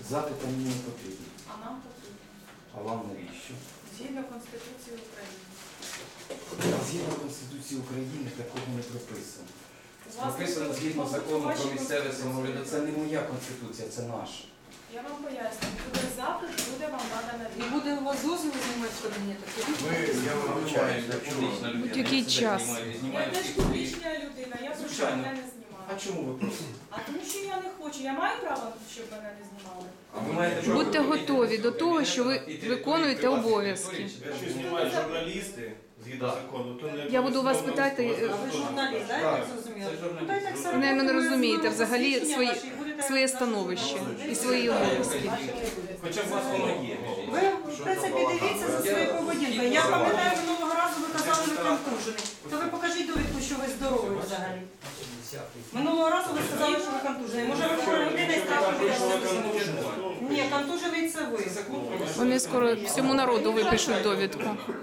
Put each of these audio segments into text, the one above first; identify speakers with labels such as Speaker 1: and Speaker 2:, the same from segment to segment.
Speaker 1: Запити мені не потрібні.
Speaker 2: А нам потрібно.
Speaker 1: А вам навіщо?
Speaker 2: Згідно Конституції України.
Speaker 1: Згідно Конституції України такого не прописано.
Speaker 2: Власне,
Speaker 1: Прописано згідно
Speaker 2: мабуть,
Speaker 1: закону
Speaker 2: вашій
Speaker 1: про місцеве
Speaker 2: Конституції.
Speaker 1: самоврядування. Це не моя Конституція, це наша.
Speaker 2: Я вам поясню. Буде запит, буде вам надана
Speaker 3: І
Speaker 2: відповідь.
Speaker 3: буде у вас дозвіл знімати в кабінеті?
Speaker 4: Я вибачаюсь,
Speaker 5: Будь-який час.
Speaker 2: Я теж публічна людина, я прошу
Speaker 1: Звичайно.
Speaker 2: мене не
Speaker 1: А
Speaker 2: знімати.
Speaker 1: чому ви просите?
Speaker 2: А тому що я не хочу. Я маю право, щоб мене не знімали.
Speaker 1: А ви маєте право
Speaker 5: Будьте
Speaker 1: робити
Speaker 5: готові
Speaker 1: це
Speaker 5: до того, що ви
Speaker 1: і території
Speaker 5: виконуєте
Speaker 1: приватної
Speaker 5: обов'язки.
Speaker 1: території, чи
Speaker 4: Якщо знімають журналісти згідно закону, то не
Speaker 5: Я буду вас питати,
Speaker 3: А ви журналіст, так? Я
Speaker 1: Так,
Speaker 3: так зрозуміла?
Speaker 1: це журналіст.
Speaker 3: Ну, та й так само
Speaker 5: Ви, наверное,
Speaker 3: ви
Speaker 5: розумієте
Speaker 3: розмовляєте
Speaker 5: взагалі
Speaker 3: посвідчення ваші, будете
Speaker 5: своє
Speaker 3: нашим
Speaker 5: становище
Speaker 3: журналістом.
Speaker 5: і свої обов'язки.
Speaker 1: Хоча б у вас воно є.
Speaker 3: Ви, в принципі, дивіться за своєю поведінкою. Я пам'ятаю, минулого разу ви казали, ви контужений. То ви покажіть довідку, що ви здоровий взагалі. Минулого разу ви сказали, що ви контужений. Може, ви хвора людина і страшно біля. Ні, контужений це ви.
Speaker 5: Вони скоро всьому народу випишуть довідку.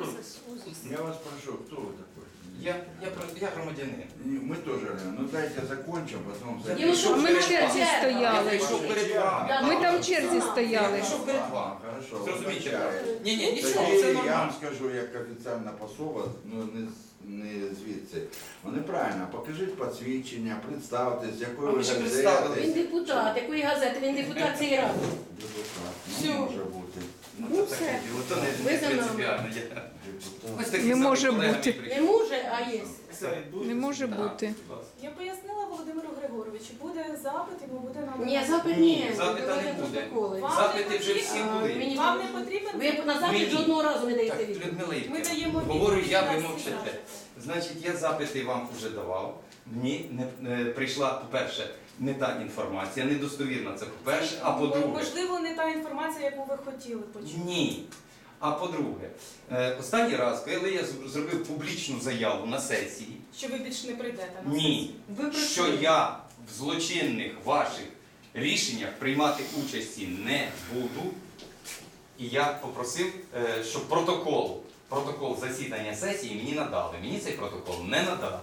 Speaker 4: Я вас прошу, кто вы такой?
Speaker 1: Я громадянин.
Speaker 4: Мы тоже, ну дайте закончим, потом
Speaker 1: Я
Speaker 4: зайдем.
Speaker 1: прийшов
Speaker 5: А ми в
Speaker 1: перед
Speaker 5: черзі
Speaker 1: вами. Я
Speaker 5: стояли.
Speaker 1: прийшов перед вами.
Speaker 5: Ми там в черзі стояли.
Speaker 1: Прийшов перед вами.
Speaker 4: Хорошо,
Speaker 1: Зрозумійте.
Speaker 4: вибачаю.
Speaker 1: Ні, нічого,
Speaker 4: Тоді
Speaker 1: це
Speaker 4: я
Speaker 1: нормально.
Speaker 4: вам скажу, як офіційна пособа, ну не звідси. Вони правильно, покажіть посвідчення, представтесь, з
Speaker 1: А
Speaker 4: якої
Speaker 1: ви
Speaker 4: ви
Speaker 1: ще
Speaker 4: газети.
Speaker 1: представились.
Speaker 6: Він депутат, якої газети, він депутат цієї ради.
Speaker 4: Депутат,
Speaker 6: Всьо.
Speaker 4: не може бути.
Speaker 6: Ну,
Speaker 1: це
Speaker 6: все.
Speaker 1: таке діло, то не
Speaker 6: Ви за нами.
Speaker 1: принципіально.
Speaker 4: Депутат.
Speaker 1: Ось такі
Speaker 5: Не
Speaker 1: самі
Speaker 5: може
Speaker 1: колеги
Speaker 5: бути.
Speaker 1: мені
Speaker 6: Не
Speaker 1: прийшли.
Speaker 6: може, а є.
Speaker 5: Не може бути.
Speaker 2: Я пояснила Володимиру Григоровичу, буде запит, йому буде надана.
Speaker 6: Ні, запит ні.
Speaker 1: Запита не
Speaker 6: Давайте
Speaker 1: буде.
Speaker 6: протоколи.
Speaker 2: Вам
Speaker 1: Запити вже всі
Speaker 6: А,
Speaker 1: були.
Speaker 6: мені-
Speaker 2: Вам не потрібен?
Speaker 6: Ви на запит
Speaker 1: Мені.
Speaker 6: жодного разу не даєте
Speaker 1: Так,
Speaker 6: відповідь.
Speaker 1: Людмила
Speaker 2: Ми
Speaker 1: Ігорівна,
Speaker 2: даємо
Speaker 1: говорю я, ви
Speaker 2: відповідь на
Speaker 1: мовчите.
Speaker 2: всі
Speaker 1: Значить, я запити вам вже давав. Мені не прийшла, по-перше, не та інформація, недостовірна це по-перше, а по-друге.
Speaker 2: Можливо, не та інформація, яку ви хотіли почути.
Speaker 1: Ні. А по-друге, останній раз, коли я зробив публічну заяву на сесії,
Speaker 2: Що ви більше не прийдете на
Speaker 1: ні,
Speaker 3: Ви
Speaker 1: що
Speaker 3: прийшли.
Speaker 1: я в злочинних ваших рішеннях приймати участі не буду, і я попросив, щоб протокол засідання сесії мені надали. Мені цей протокол не надали.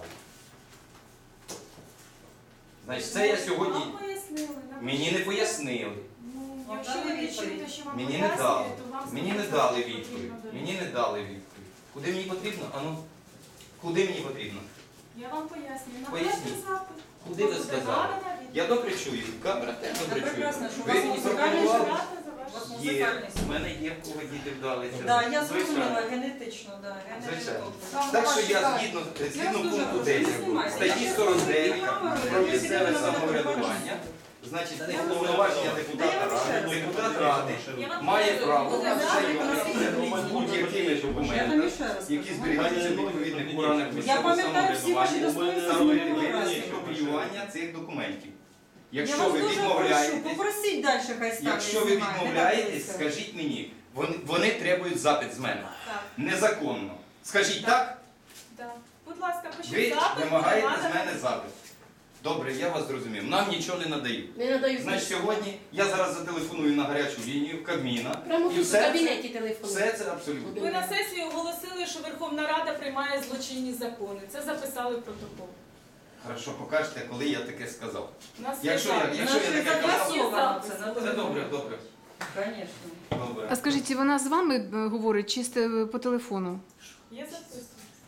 Speaker 1: Значить, це я сьогодні...
Speaker 2: Вам пояснили.
Speaker 1: Мені не пояснили.
Speaker 2: Ну,
Speaker 3: Вам
Speaker 2: якщо
Speaker 3: дали
Speaker 2: ви не
Speaker 3: відповідь?
Speaker 2: чуєте, що вам
Speaker 1: Мені не
Speaker 2: пояснюють,
Speaker 1: дали.
Speaker 2: то вам
Speaker 1: Мені не
Speaker 2: сказали,
Speaker 1: дали
Speaker 2: що
Speaker 1: відповідь.
Speaker 2: потрібно довідку.
Speaker 1: Мені не дали відповідь. Куди мені потрібно? Ану, куди мені потрібно?
Speaker 2: Я вам пояснюю.
Speaker 1: Поясніть.
Speaker 2: Напишіть запит.
Speaker 1: Куди ви
Speaker 2: Буде
Speaker 1: сказали?
Speaker 2: надана відповідь.
Speaker 1: Я добре чую, камера теж добре чую.
Speaker 3: прекрасно, що у
Speaker 1: Ви
Speaker 3: вас
Speaker 1: мені
Speaker 3: музикальний
Speaker 1: пропонували?
Speaker 2: Дата за ваш-
Speaker 3: У вас
Speaker 1: Є,
Speaker 3: музикальний
Speaker 1: в мене є в кого діти вдалися.
Speaker 3: Да, я
Speaker 1: Звичайно.
Speaker 3: зрозуміла, генетично, да,
Speaker 1: Звичайно.
Speaker 3: генетично.
Speaker 1: Так що я згідно пункту 10 статті 49 про місцеве самоврядування, значить, повноваження депутата ради, депутат ради має право ознайомитися з будь-якими документами, які зберігаються в відповідних органах
Speaker 3: Я
Speaker 1: місцевого
Speaker 3: пам'ятаю всі ваші
Speaker 1: самоврядування,
Speaker 3: достоинства
Speaker 1: та робити
Speaker 3: минулого разу.
Speaker 1: виключно копіювання цих документів.
Speaker 3: Я
Speaker 1: Якщо
Speaker 3: вас
Speaker 1: ви
Speaker 3: дуже прошу,
Speaker 1: відмовляєтесь,
Speaker 3: попросіть далі, хай ставлять.
Speaker 1: якщо ви
Speaker 3: знімає, не
Speaker 1: відмовляєтесь,
Speaker 3: дивіться.
Speaker 1: скажіть мені, вони требують запит з мене.
Speaker 2: Так,
Speaker 1: Незаконно. Скажіть так,
Speaker 2: так. Будь ласка,
Speaker 1: ви
Speaker 2: пишіть запит.
Speaker 1: вимагаєте
Speaker 2: буде
Speaker 1: з
Speaker 2: надана
Speaker 1: мене запит. Добре, я вас зрозумів. Нам нічого не надають.
Speaker 6: Не надаю
Speaker 1: Значить,
Speaker 6: відповідь.
Speaker 1: сьогодні я зараз зателефоную на гарячу лінію Кабміна.
Speaker 6: Прямо
Speaker 1: І
Speaker 6: тут в
Speaker 1: все
Speaker 6: кабінеті
Speaker 1: це,
Speaker 6: телефону.
Speaker 1: все це абсолютно.
Speaker 2: Ви на сесії оголосили, що Верховна Рада приймає злочинні закони. Це записали в протокол.
Speaker 1: Хорошо, покажете, коли я таке сказав.
Speaker 2: У нас є
Speaker 1: Якщо
Speaker 2: запит.
Speaker 1: я
Speaker 3: Наші
Speaker 1: таке казав,
Speaker 3: зафіксовано це,
Speaker 1: це добре, добре.
Speaker 3: Звісно.
Speaker 1: Добре.
Speaker 5: А скажіть, вона з вами говорить чи по телефону?
Speaker 2: Є записано.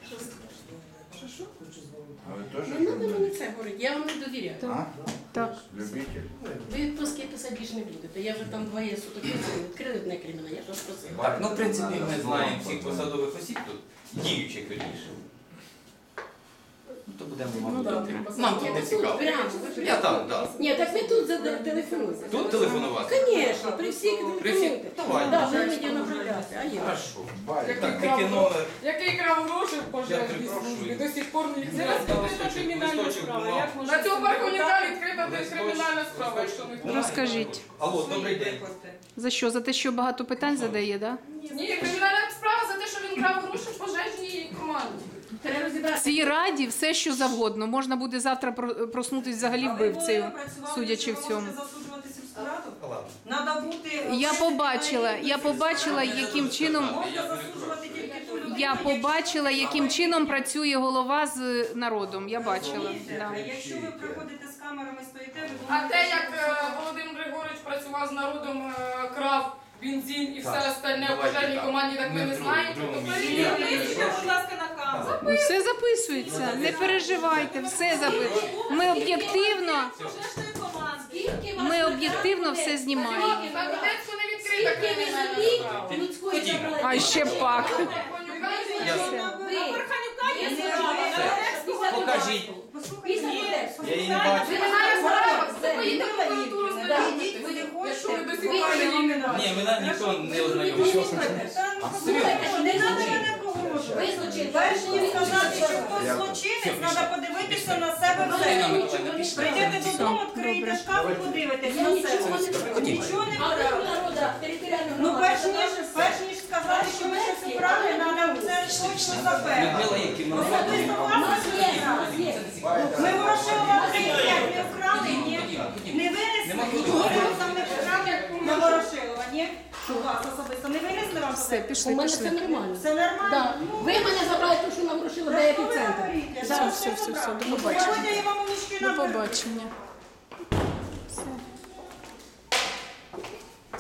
Speaker 4: А ви теж
Speaker 6: Не треба мені
Speaker 4: журналіст?
Speaker 6: це говорити, я вам не довіряю.
Speaker 4: А?
Speaker 5: Так.
Speaker 4: Любитель?
Speaker 6: Ви відпуски писати більше не будете. Я вже там двоє суток відкрили одне крім мене, я ж вас просила.
Speaker 1: Так, ну в принципі ми знаємо всіх посадових осіб тут, діючих вірніше. Ну то будемо
Speaker 5: Ну,
Speaker 1: мабуть.
Speaker 5: добре.
Speaker 1: Нам тут
Speaker 6: Ні,
Speaker 1: не
Speaker 6: тут
Speaker 1: цікаво.
Speaker 6: прямо.
Speaker 1: Я там, так.
Speaker 6: Ні, так ви тут телефонуйте.
Speaker 1: Тут телефонувати?
Speaker 6: Звісно, при всіх
Speaker 1: При всіх?
Speaker 6: телефонуйте.
Speaker 1: Давай.
Speaker 6: Так, ви мені направляєте, а я.
Speaker 1: Хорошо.
Speaker 4: Байк.
Speaker 1: Так, який номер?
Speaker 7: Який крав гроші в
Speaker 1: Я
Speaker 7: пожежній
Speaker 1: перепрошую.
Speaker 7: службі, до сих пор їх
Speaker 2: Це
Speaker 7: не
Speaker 2: розкрита
Speaker 7: роздали.
Speaker 2: кримінальна
Speaker 1: листочок
Speaker 2: справа.
Speaker 1: бумаг.
Speaker 2: Як може
Speaker 7: На цього
Speaker 2: бути
Speaker 7: парківника
Speaker 2: так?
Speaker 7: відкрита десь кримінальна справа, якщо не
Speaker 1: Давай.
Speaker 5: Розкажіть.
Speaker 1: Алло, добрий день.
Speaker 5: За що? За те, що багато питань задає, так?
Speaker 7: Ні, кримінальна справа за те, що він крав гроші в пожежній команді.
Speaker 6: Треба
Speaker 5: В
Speaker 6: розібратися.
Speaker 5: цій раді все, що завгодно. Можна буде завтра проснутися взагалі вбивцею, судячи в цьому.
Speaker 3: Засуджувати сільську раду?
Speaker 1: Ладно.
Speaker 3: Надо бути...
Speaker 5: Я побачила, яким чином.
Speaker 3: Можна засуджувати тільки ту людину,
Speaker 5: Я побачила, яким чином працює голова з народом. Я бачила.
Speaker 3: Розумієте?
Speaker 5: Да.
Speaker 3: Якщо ви приходите з камерами, стоїте, ви
Speaker 7: А
Speaker 3: думаєте,
Speaker 7: те,
Speaker 3: що
Speaker 7: як
Speaker 3: ви
Speaker 7: Володимир Григорович працював з народом крав бензин і все
Speaker 1: Так,
Speaker 7: остальне в
Speaker 1: давайте
Speaker 7: пожежній
Speaker 1: так.
Speaker 7: команді, так ми
Speaker 1: Ми
Speaker 7: не
Speaker 1: в
Speaker 7: знаємо.
Speaker 1: другому
Speaker 7: Тобто
Speaker 1: місці.
Speaker 7: перевірте.
Speaker 2: Перевірте, будь ласка, на камеру.
Speaker 5: Ну, все записується, не переживайте, все записується. Ми об'єктивно,
Speaker 2: Пожежної команди.
Speaker 6: Скільки вас
Speaker 5: ми
Speaker 6: на
Speaker 5: об'єктивно
Speaker 6: даний
Speaker 5: все
Speaker 6: день?
Speaker 5: знімаємо.
Speaker 7: На Донецьку не відкрита
Speaker 6: Скільки ви
Speaker 7: кримінальна
Speaker 6: землі
Speaker 7: справа.
Speaker 6: людської забрали?
Speaker 5: А ще пак.
Speaker 1: Я-
Speaker 6: Ви.
Speaker 2: А Верханюка є
Speaker 3: Ні,
Speaker 2: злочинна.
Speaker 1: Покажіть.
Speaker 6: Після
Speaker 1: Я її не бачу.
Speaker 7: Ви не знаєте справа,
Speaker 6: Це
Speaker 7: ви поїдете в прокуратуру
Speaker 3: Ідіть,
Speaker 7: знайомитись.
Speaker 3: куди
Speaker 7: Якщо ви
Speaker 3: хочете.
Speaker 7: до сих пор її не
Speaker 1: Ні, мене ніхто не ознайомив.
Speaker 6: Слухайте, що не треба мене
Speaker 3: Ви злочин. Перш ніж сказати, що хтось злочинець, треба подивитися на себе в зеркало. Прийдете додому, відкриєте шкаф і подивитесь
Speaker 6: Я
Speaker 3: на
Speaker 6: нічого
Speaker 3: себе.
Speaker 6: не скажу.
Speaker 3: Нічого не
Speaker 6: А ви
Speaker 3: вкрали.
Speaker 6: народу територіального
Speaker 3: Ну,
Speaker 6: громади.
Speaker 3: перш ніж сказати, що ви щось вкрали, треба це точно запевнити.
Speaker 1: Людмила Євківна,
Speaker 3: Особисто
Speaker 6: У
Speaker 3: вас
Speaker 6: нас
Speaker 3: не
Speaker 6: є, у
Speaker 3: вкрали.
Speaker 6: нас є.
Speaker 3: Ми Ворошилова 35 не вкрали, ні? Не винесли? Нічого там не вкрали на Ворошилова, ні? У вас особисто не винесли вам?
Speaker 5: Все,
Speaker 6: У
Speaker 5: пішли,
Speaker 6: мене все
Speaker 5: пішли.
Speaker 6: нормально.
Speaker 3: Все нормально?
Speaker 6: Да. Ви мене забрали, тому що нам вручили до епіцентр.
Speaker 5: Все, все, все, до побачення.
Speaker 3: Сьогодні я вам нічки
Speaker 5: До
Speaker 3: наберу.
Speaker 5: побачення.